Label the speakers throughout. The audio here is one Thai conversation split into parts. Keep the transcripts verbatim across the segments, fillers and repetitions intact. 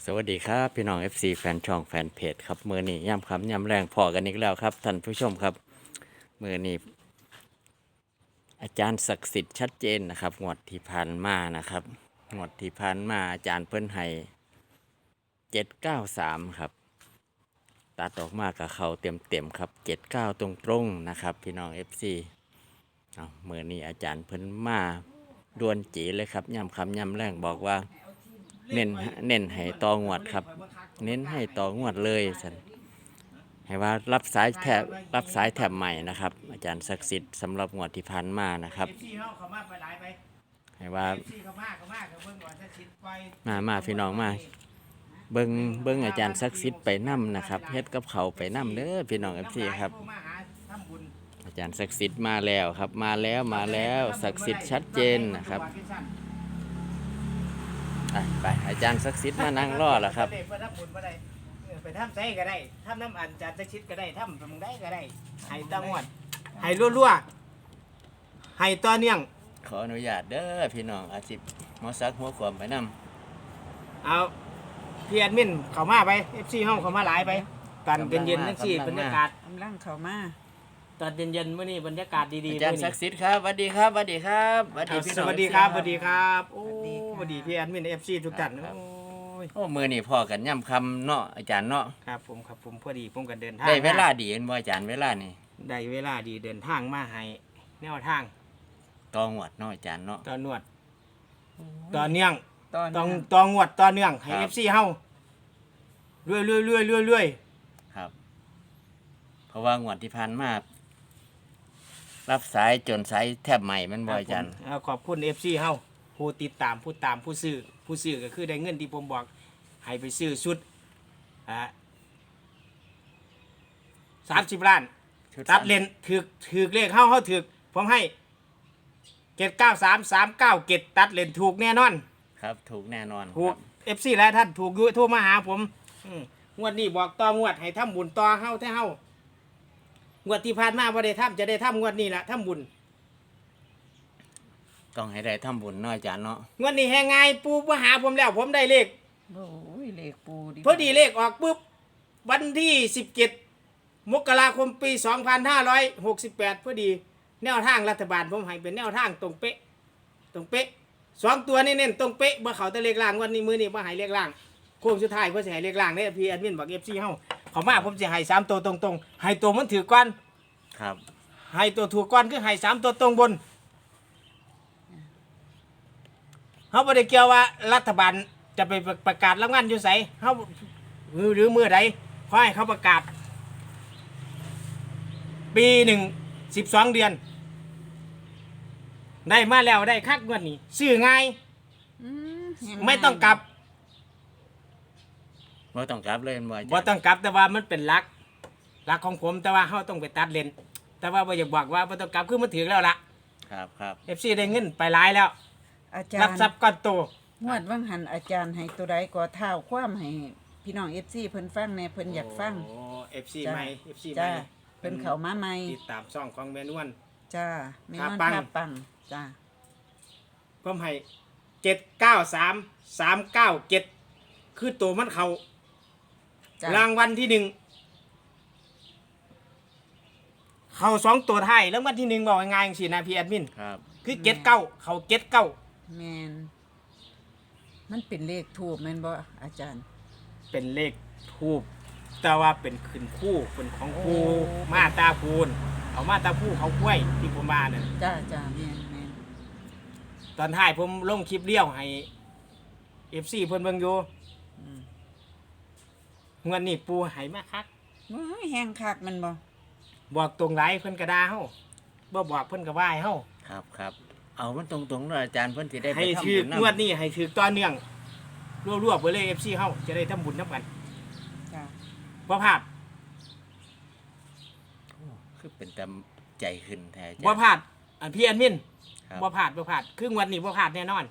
Speaker 1: วัสดีครับพี่น้อง เอฟ ซี แฟนช่องแฟนเพจครับมือนี้ย่ำคำย่ำแรงพอกันอีกแล้วครับท่านผู้ชมครับมือนี้อาจารย์ศักดิ์สิทธิ์ชัดเจนนะครับงวดที่ผ่านมานะครับงวดที่ผ่านมาอาจารย์เพิ่นให้เจ็ดเก้าสามครับตัดออกมากับเขาเต็มเต็มครับเจ็ดเก้าตรงตรงๆนะครับพี่น้อง เอฟ ซี เอามือนี้อาจารย์เพิ่นมาดวนจีเลยครับย่ำคำย่ำแรงบอกว่าเน้นเน้นให้ตองวดครับ เน้นให้ต่องวดเลยสันให้ว่ารับสายแถบรับสายแถบใหม่นะครับอาจารย์ศักดิ์สิทธิ์สำหรับงวดที่ผ่านมานะครับให้ว่ามามาพี่น้องมาเบิ้งเบิ้งอาจารย์ศักดิ์สิทธิ์ไปนํนะครับเฮ็ดกับเขาไปนํเด้อพี่น้องเอฟซีครับอาจารย์ศักดิ์สิทธิ์มาแล้วครับมาแล้วมาแล้วศักดิ์สิทธิ์ชัดเจนนะครับไปอาจารย์ศักดิ์สิทธิ์มานั่งรอแล้วครับ
Speaker 2: ไปทำไส้ก็ได้ทำน้ำอันจานตะชิดก็ได้ทำมึงได้ก็ได้ให้ตั้งวัดให้รัวๆให้ต่อเนื่อง
Speaker 1: ขออนุญาตเด้อพี่น้องอาชีพมอสักหัวขวมไปน
Speaker 2: ำเอาพี่แอดมินเข้ามาไป เอฟ ซี ห้องเข้ามาหลายไปตอนเย็นๆนั่งสิบรรยากาศ
Speaker 3: กำลังเข้ามา
Speaker 2: ตอนเย็นๆเมื่อนี้บรรยากาศดีๆ
Speaker 1: อาจารย์ศักดิ์สิทธิ์ครับสวัสดีครับสวัสดีครับสวัสดีพี่น้อง
Speaker 2: สวัสดีครับสวัสดีครับโอ้สวัสดีพี่แอดมิน เอฟ ซี ทุกท่าน
Speaker 1: โอ้มือนี่พอกันย่ำคำเนาะอาจารย์เนาะ
Speaker 2: ครับผมครับผมพอดีผมกันเดินทาง
Speaker 1: ได้เวลาดีเห็นบ่อาจารย์เวลานี่
Speaker 2: ได้เวลาดีเดินทางมาให้แนวทาง
Speaker 1: ตองวดเนาะอาจารย์เนาะ
Speaker 2: ตอนนวดตอนเนื่อง
Speaker 3: ตอน
Speaker 2: ต้องตองวดตอนเนื่องให้ เอฟ ซี เฮาเรื่อยเรื่อยเรื่อยเรื่อยเรื่อย
Speaker 1: ครับเพราะว่างวดที่ผ่านมารับสายจนสายแทบใหม่มันบ่อาจารย์
Speaker 2: ขอบคุณ เอฟ ซี เฮาผู้ติดตามผู้ตามผู้ซื้อผู้ซื้อก็คือได้เงินที่ผมบอกให้ไปซื้อชุดอ่าสามสิบล้านตัดเลนถือถือเลขเข้าเข้าถือผมให้เจ็ดเก้าสามสามเก้าเจ็ดตัดเลนถูกแน่นอน
Speaker 1: ครับถูกแน่นอน
Speaker 2: ถูกเอฟซีหลายท่านถูกโทรมาหาผมงวดนี้บอกต่องวดให้ทำบุญต่อเข้าแท้เข้างวดที่ผ่านมาบ่ได้ทำจะได้ทำงวดนี้แหละทำบุญ
Speaker 1: ต้องให้ได้ทำบุญเนาะอาจารย์เนาะ
Speaker 2: งวดนี้แหงไงปูมาหาผมแล้วผมได้เลข
Speaker 3: โอ้ยเลขปู
Speaker 2: ดิพอดีเลขออกปุ๊บวันที่สิบเจ็ดมกราคมปีสองพันห้าร้อยหกสิบแปดพอดีแนวทางรัฐบาลผมให้เป็นแนวทางตรงเป๊ะตรงเป๊ะสองตัวนี่เน้นตรงเป๊ะบ่เขาแต่เลขล่างวันนี้มือนี่บ่ให้เลขล่างโค้งสุดท้ายเพื่อจะให้เลขล่างเนี่ยพี่แอดมินบอกเอฟซีเฮาเขามาผมจะให้สามตัวตรงๆให้ตัวมันถือก้อน
Speaker 1: ครับ
Speaker 2: ให้ตัวถูกก้อนคือให้สามตัวตรงบนเขาบ่ได้เกี่ยวว่ารัฐบาลจะไปประกาศรางวัลอยู่ไสเขาหรือเมื่อใดขอให้เขาประกาศปีหนึ่งสิบสองเดือนได้มาแล้วได้คักงวดนี้ซื้อง่ายไม่ต้องกลับ
Speaker 1: ไม่ต้องกลับเลยบ่
Speaker 2: ไม่ต้องกลับแต่ว่ามันเป็นหลักหลักของผมแต่ว่าเขาต้องไปตัดเลนแต่ว่าบ่อยากบอกว่าไม่ต้องกลับคือมันถึงแล้วล่ะ
Speaker 1: ครับครับ
Speaker 2: เอฟซีได้เงินไปหลายแล้ว
Speaker 3: อาจารย์
Speaker 2: รับทรัพย์ก้อนโต
Speaker 3: งวดว่างหันอาจารย์ให้ตัวใดก็เท่าความให้พี่น้อง เอฟ ซี เพิ่นฟังแน่เพิ่นอยากฟัง
Speaker 2: โอ้ เอฟ ซี ใหม่ เอฟ ซี ใหม่
Speaker 3: เพิ่นเข้ามาใหม่
Speaker 2: ติดตามช่องของแม่นวล
Speaker 3: จ้าแม่นวลท่าปังจ้า
Speaker 2: ผมให้เจ็ดเก้าสามสามเก้าเจ็ดคือตัวมันเขารางวัลที่หนึ่งเขาสองตัวไทยแล้ววันที่หนึ่งบอกง่ายๆสินะพี่แอดมิน
Speaker 1: ครับ
Speaker 2: คือเจ็ดเก้าเขาเจ็ดเก้า
Speaker 3: แมนมันเป็นเลขทูบแม่นบ่อาจารย์
Speaker 2: เป็นเลขทูบแต่ว่าเป็นขึ้นคู่เป็นของครูมาตาพูนเอามาตาพูเขากล้วยที่ผมมาเนี่ย
Speaker 3: จ้าจ้าแมนแมน
Speaker 2: ตอนท้ายผมลงคลิปเลี้ยวให้เอฟซีเพิ่นเบิ่งอยู่เงินนี่ปูหายมาคัก
Speaker 3: แห้งคักมันบ่
Speaker 2: บอกตรงไรเพิ่นกระดาเฮาบ่บอกเพิ่นกระว่ายเฮา
Speaker 1: ครับครับเอามันตรงๆเลยอาจารย์เพิ่นสิได้ไป
Speaker 2: ทำบุญให้ถืองวดนี้ให้ถือต่อเนื่องรวบๆไปเลย เอฟ ซี เฮาจะได้ทำบุญนำกัน
Speaker 3: จ้า
Speaker 2: บ่พลาด
Speaker 1: คือเป็นตามใจขึ้นแท้
Speaker 2: บ่พลาดอันพี่อันมินบ่พลาดบ่พลาดคืองวดนี้บ่พลาดแน่นอน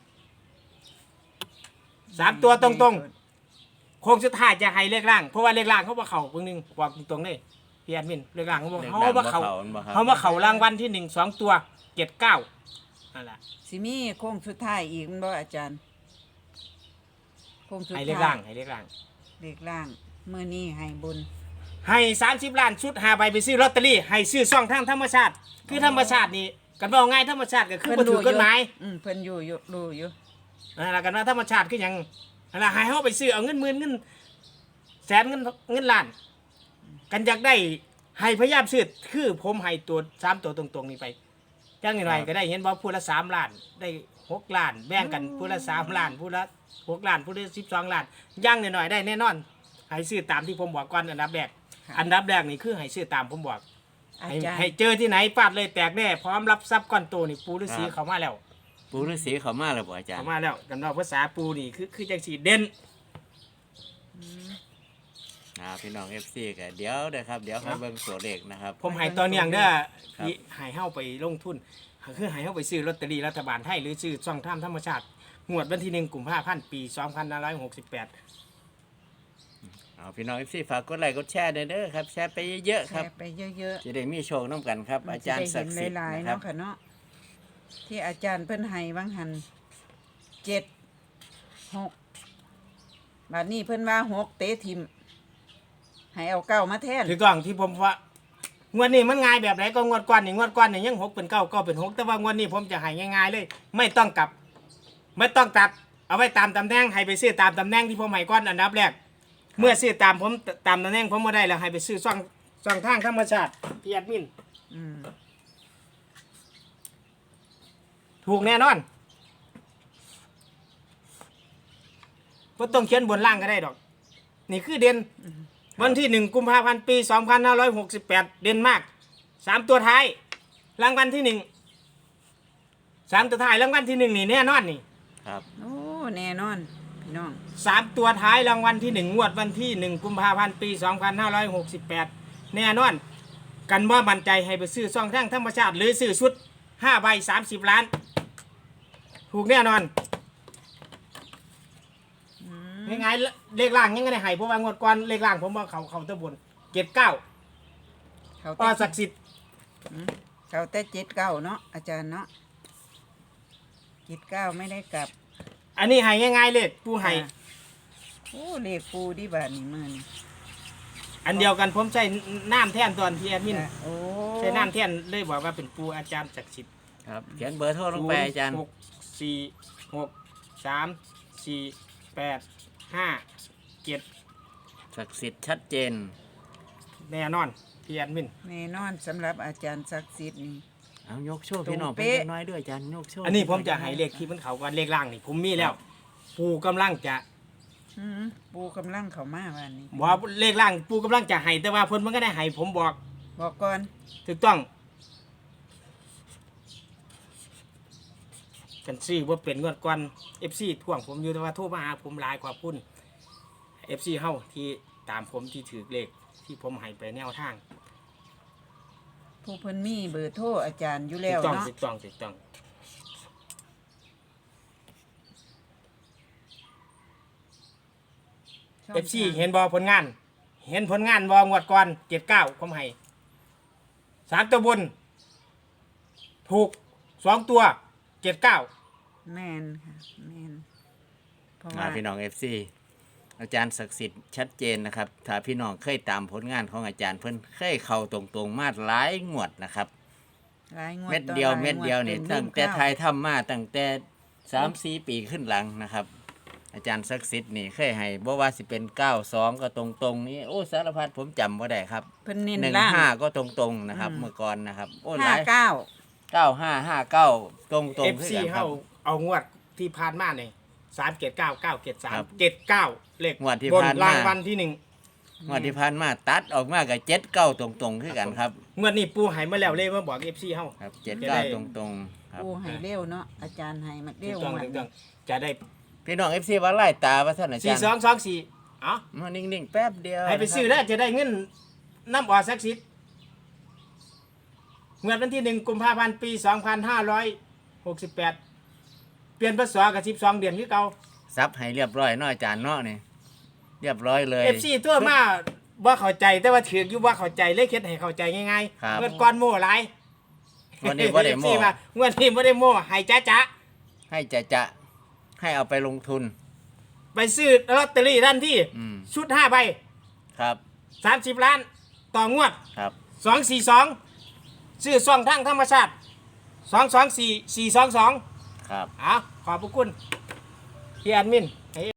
Speaker 2: สามตัวตรงๆโค้งสุดท้ายจะให้เลขล่างเพราะว่าเลขล่างเขาบ่เข้าเบิ่งนึงบอกตรงๆเลยพี่แอดมินเลขล่างเขาบอกเขาว่าเขาเขาว่าเขารางวัลที่หนึ่งสองตัวเจ็ดเก้านั่นแหละ
Speaker 3: สิมีโค้งสุดท้ายอีกมันบ่อาจารย์โงสุด
Speaker 2: ให้
Speaker 3: ท้าย
Speaker 2: เลขล่างให้เลขล่าง
Speaker 3: เลขล่างมื้อนี้ให้บุญ
Speaker 2: ให้สามสิบล้านชุดหาใบไปซื้อลอตเตอรี่ให้ซื้อซ่องทางธรรมชาติ คือธรรมชาตินี่กันว่าง่ายธรรมชาติก็คือบ่ถูกกฎหมาย
Speaker 3: อืมเพิ่นอยู่อยู่รู้อยู่
Speaker 2: นั่นล่ะกันว่าธรรมชาติคือหยังนั่นล่ะให้เฮาไปซื้อเอาเงินหมื่นเงินแสนเงินเงินล้าน กันอยากได้ให้พยายามซื้อคือผมให้ตัวสามตัวตรงๆนี่ไปจังไงก็ได้เห็นบ่ผู้ละสามล้านได้หกล้านแบ่งกันผู้ละสามล้านผู้ละหกล้านผู้ละสิบสองล้านย่างหน่อยๆได้แน่นอนให้ซื้อตามที่ผมบอกก่อนอันดับแรก
Speaker 3: ค่ะ
Speaker 2: อันดับแรกนี่คือให้ซื้อตามผมบอก
Speaker 3: อา
Speaker 2: ให้
Speaker 3: จารย์
Speaker 2: ให้เจอที่ไหนฟาดเลยแตกแน่พร้อมรับทรัพย์ก้อนโตนี่ปูฤาษี
Speaker 1: ครับ
Speaker 2: เขามาแล้ว
Speaker 1: ปู่ฤาษีเขามาแล้วบ่อาจาร
Speaker 2: เขา
Speaker 1: ย์
Speaker 2: มาแล้วกันว่าภาษาปูนี่คือคือจังสีเด่น
Speaker 1: อ่าพี่น้อง เอฟ ซีก็เดี๋ยวเด้อครับเดี๋ยวให้เบิ่งตัวเลขนะครับ
Speaker 2: ผมให้ตอนเนียงเด้อ
Speaker 1: ครับ
Speaker 2: ที่ให้เฮาไปลงทุนคือให้เฮาไปซื้อลอตเตอรี่รัฐบาลไทยหรือซื้อช่องทางธรรมชาติงวดวันที่หนึ่งกุมภาพันธ์ปีสองพันห้าร้อยหกสิบแปด
Speaker 1: เอาพี่น้อง เอฟ ซี ฝากกดไลค์กดแชร์ด้วยเด้อครับแชร์ไปเยอะๆ
Speaker 3: แช
Speaker 1: ครับ
Speaker 3: ร์ไปเยอะ
Speaker 1: จะได้มีโชคน้ำกันครับ
Speaker 3: ๆ
Speaker 1: อาจารย์ศักดิ์สิทธิ์
Speaker 3: หลายๆ
Speaker 1: นะครั
Speaker 3: เนาะ
Speaker 1: บ
Speaker 3: ค่ะเนาะที่อาจารย์เพิ่นให้บางหันเจ็ดหกบัดนี้เพิ่นว่าหกเตะทิมให้เอาเก้ามาแทน
Speaker 2: ถูกต้องที่ผมว่างวดนี้มันง่ายแบบไหนก็งวดก่อนนี่งวดก่อนนี่ยังหกเป็นเก้าเก้าเป็นหกแต่ว่างวดนี้ผมจะให้ง่ายๆเลย ไม่ต้องกลับ ไม่ต้องตัด เอาไว้ตามตำแหน่งให้ไปซื้อตามตำแหน่งที่ผมให้ก่อนอันดับแรก เมื่อซื้อตามผมตามตำแหน่งผมมาได้แล้วให้ไปซื้อช่องช่องทางธรรมชาติพี่แอดมิน
Speaker 3: อืม
Speaker 2: ถูกแน่นอนก็ต้องเขียนบนล่างก็ได้ดอก นี่คือเด่นวันที่หนึ่งกุมภาพันธ์ปีสองพันห้าร้อยหกสิบแปดเด่นมากสามตัวท้ายรางวัลที่หนึ่งสามตัวท้ายรางวัลที่หนึ่งนี่แน่นอนนี่
Speaker 1: ครับ
Speaker 3: โอ้แน่นอนพี่น้อง
Speaker 2: สามตัวท้ายรางวัลที่หนึ่งงวดวันที่หนึ่งกุมภาพันธ์ปีสองพันห้าร้อยหกสิบแปดแน่นอน กันว่ามั่นใจให้ไปซื้อซ่องทางธรรมชาติหรือซื้อชุดห้าใบสามสิบล้าน ถูกแน่นอนง่ายๆเลขล่างยังไงให้เพราะว่างวดก่อนเลขล่างผมว่าเขาเขาตะบนเจ็ดเก้า
Speaker 3: เขา
Speaker 2: ต่อ
Speaker 3: แต่
Speaker 2: ศักดิ์สิทธิ์
Speaker 3: เขาแต่เจ็ดเก้าเนาะอาจารย์เนาะเจ็ดเก้าไม่ได้กลับ
Speaker 2: อันนี้ให้ง่ายๆเลขผู้ให้
Speaker 3: ค่ะโอ้เลขปูที่บาทนี่มือนี่
Speaker 2: อันเดียวกันผมใช้น้ำแท่นตอนที่แอดมิน
Speaker 3: จ้ะโอ้
Speaker 2: ใช้น้ำแท่นเลยบอกว่าเป็นปูอาจารย์ศักดิ์สิทธิ์
Speaker 1: ครับเขียนเบอร์โทรลงไปอาจารย์
Speaker 2: หกสี่หกสามสี่แปดห้าเจ็ด
Speaker 1: ศักดิ์สิทธิ์ชัดเจน
Speaker 2: แน่นอนพี่แอดมิน
Speaker 3: แน่นอนสำหรับอาจารย์ศักดิ์สิทธิ์นี่
Speaker 1: เอายกโชคพี่น้อง
Speaker 3: ตรง
Speaker 1: เพิ่
Speaker 3: เป๊ะ
Speaker 1: นน้อยด้วยอาจารย์ยกโชค
Speaker 2: อันนี้ผมจะให้เลขที่มันเขาก่อนเลขล่างนี่ผมมีแล้ว ปูกำลังจะ
Speaker 3: อืมปูกำลังเข้ามาวันนี้
Speaker 2: บอกว่าเลขล่างปูกำลังจะให้แต่ว่าเพิ่นมันก็ได้ให้ผมบอก
Speaker 3: บอกก่อน
Speaker 2: ถูกต้องกันซี่ว่าเป็นงวดก่อน เอฟ ซี ท่วงผมอยู่แต่ว่าโทรมาหาผมหลายกว่าพุ่น เอฟ ซี เฮาที่ตามผมที่ถือเลขที่ผมให้ไปแนวทาง
Speaker 3: ผู้เพิ่นมีเบอร์โทรอาจารย์อยู่
Speaker 2: ถู
Speaker 3: แล้ว
Speaker 2: กต้อง
Speaker 3: เนาะ
Speaker 2: ถูกต้องถูกต้อง
Speaker 3: ช่ง
Speaker 2: เอฟซี
Speaker 3: ทาง
Speaker 2: เห็นบอผลงาน เห็นผลงานบองวดก่อนเจ็ดเก้าผมให้สามตัวบน ถูกสองตัวเจ็ดเก้า
Speaker 3: แมนค่ะแมนเพราะ
Speaker 1: อ่า
Speaker 3: ว่า
Speaker 1: พี่น้อง เอฟ ซี อาจารย์ศักดิ์สิทธิ์ชัดเจนนะครับ ถ้าพี่น้องเคยตามผลงานของอาจารย์เพิ่นเคยเข้าตรงๆมาหลายงวดนะครับ
Speaker 3: หลายงวด
Speaker 1: เม็ด
Speaker 3: ต่อ
Speaker 1: เดียว
Speaker 3: หลา
Speaker 1: เม็ดเดียวนี่
Speaker 3: ต็
Speaker 1: ตั้งแต่
Speaker 3: ข้าว
Speaker 1: ไทยทำมาตั้งแต่สามสี่ปีขึ้นหลังนะครับ อาจารย์ศักดิ์สิทธิ์นี่เคยให้บ่ว่าสิเป็นเก้าสองก็ตรงๆนี่โอ้สารพัดผมจำบ่ได้ครับ
Speaker 3: เพิ่นเน้น
Speaker 1: หนึ่ง
Speaker 3: ล่าง
Speaker 1: ห้าก็ตรงๆนะครับ
Speaker 3: อืม
Speaker 1: เมื่อก่อนนะครับโอ้ห
Speaker 3: ห้า
Speaker 1: ลาย
Speaker 3: เก้า
Speaker 1: เก้าห้าห้าเก้าตรงๆ
Speaker 2: เอฟ
Speaker 1: คือ
Speaker 2: ซี
Speaker 1: กันครั
Speaker 2: เฮา
Speaker 1: บ
Speaker 2: เอางวดที่ผ่านมาเนี่ยสามเจ็ดเก้าเก้าเจ็ดสาม
Speaker 1: ครับ
Speaker 2: เจ็ดเก้าเลข
Speaker 1: งวดที่
Speaker 2: บน
Speaker 1: ผ่านมา
Speaker 2: รางวัลที่หนึ่ง
Speaker 1: งวดที่ผ่านมาตัดออกมากับเจ็ดเก้าตรงๆคือกันครับ
Speaker 2: งวดนี้ปูใหายมาแล้วเลยมาบอกเอฟซีเฮา
Speaker 1: ครับเจ็ด
Speaker 2: จะ
Speaker 1: เก้า
Speaker 2: ได้
Speaker 1: ตรงๆครับ
Speaker 3: ปูให้เร็วเนาะอาจารย์ให้มา
Speaker 2: ถู
Speaker 3: เร็
Speaker 2: ก
Speaker 3: ว
Speaker 2: ต้อง
Speaker 3: มา
Speaker 2: ถูกต้องจะได้
Speaker 1: พี่น้องเอฟซีว่าไล่ตาว่าท่านอาจา
Speaker 2: สี่
Speaker 1: รย์
Speaker 2: สองสองสี่เอ๋อ
Speaker 1: มานิ่งๆแป๊บเดียว
Speaker 2: ให้ไปซื้อแล้วจะได้เงินน้ำออสักสิทธิ์เมื่อวันที่หนึ่งกุมภาพันธ์ปีสองพันห้าร้อยหกสิบแปดเปลี่ยนพศกับสิบสองเดือนคือเก่า
Speaker 1: ซับให้เรียบร้อยเนาะอาจารย์เนาะนี่เรียบร้อยเลย
Speaker 2: เอฟซีตัวมาว่าเข้าใจแต่ว่าถืออยู่ว่าเข้าใจเลยคิดให้เข้าใจง่าย
Speaker 1: ครับ
Speaker 2: ๆเมื่อก่อนโม่หลาย
Speaker 1: วันนี้บ่ได้โม่
Speaker 2: เอฟซีาเมื่อนี้บ่ได้โม่ให้จ้าจ้า
Speaker 1: ให้จะจะให้เอาไปลงทุน
Speaker 2: ไปซื้อลอตเตอรี่ทันที
Speaker 1: อืม
Speaker 2: ชุดห้าใบ
Speaker 1: ครับ
Speaker 2: สามสิบล้านต่องวด
Speaker 1: ครับ
Speaker 2: สองสี่สองซื้อซองทางธรรมชาติสองสองสี่สี่สองสอง
Speaker 1: ครับ
Speaker 2: อ่ะขอบพระคุณพี่แอดมิน